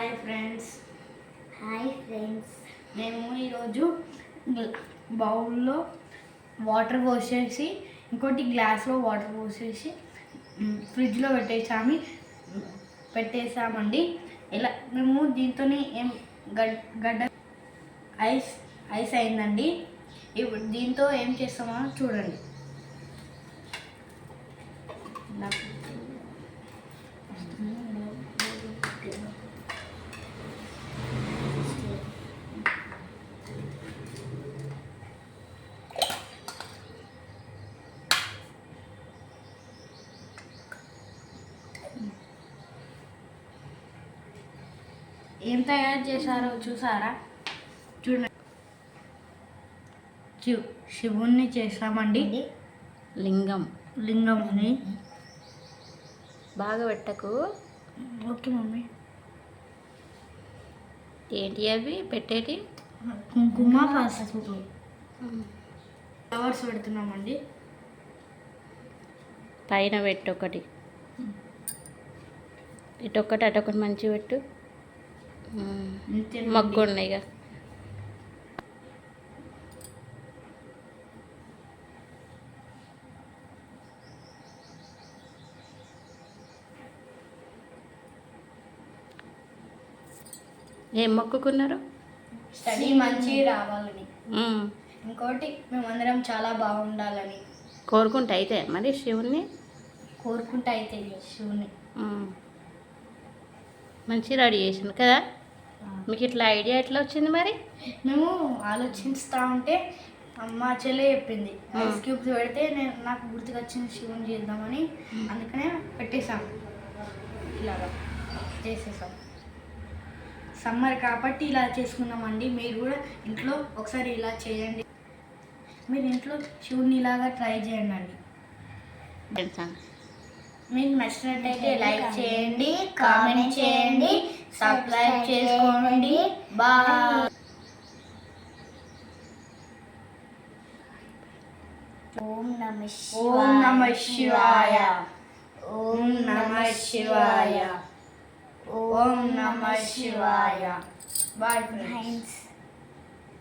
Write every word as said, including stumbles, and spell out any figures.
Hi friends hi friends మేము ఈరోజు బౌల్లో వాటర్ పోసేసి ఇంకోటి గ్లాస్లో వాటర్ పోసేసి ఫ్రిడ్జ్లో పెట్టేసామి పెట్టేసామండి. ఇలా మేము దీంతో ఏం గడ్డ ఐస్ ఐస్ అయిందండి. ఇప్పుడు దీంతో ఏం చేస్తామో చూడండి. ఏం తయారు చేశారో చూసారా? చూడండి, శివ్ శివుణ్ణి చేసామండి. లింగం లింగంని బాగా పెట్టకు. Okay mummy. ఏంటి అవి పెట్టేటి? కుంకుమ, పసుపు, ఫ్లవర్స్ పెడుతున్నామండి. పైన పెట్టు ఒకటి, ఇటొక్కటి అటొకటి మంచిగా పెట్టు. మగ్గు ఉన్నాయి ఇక. ఏం మొక్కుకున్నారు? స్టడీ మంచి రావాలని, ఇంకోటి మేమందరం చాలా బాగుండాలని కోరుకుంటా. అయితే మరి శివుణ్ణి కోరుకుంటా అయితే శివుని మంచి రెడీ చేసింది కదా. మీకు ఇట్లా ఐడియా ఎట్లా వచ్చింది మరి? మేము ఆలోచిస్తూ ఉంటే అమ్మ చెల్లె చెప్పింది ఐస్ క్యూబ్స్ పెడితే నేను నాకు గుర్తుకొచ్చింది శివుని చేద్దామని, అందుకనే పెట్టేసాము. ఇలాగా చేసేసాం. సమ్మర్ కాబట్టి ఇలా చేసుకున్నామండి. మీరు కూడా ఇంట్లో ఒకసారి ఇలా చేయండి. మీరు ఇంట్లో శివుని ఇలాగా ట్రై చేయండి అండి. మీకు నచ్చినట్టయితే లైక్ చేయండి, కామెంట్ చేయండి, సబ్స్క్రైబ్ చేసుకోండి. బాయ్. ఓం నమ ఓం నమ శివాయ. ఓం నమ శివాయ. ఓం నమ శివాయ. Bye friends.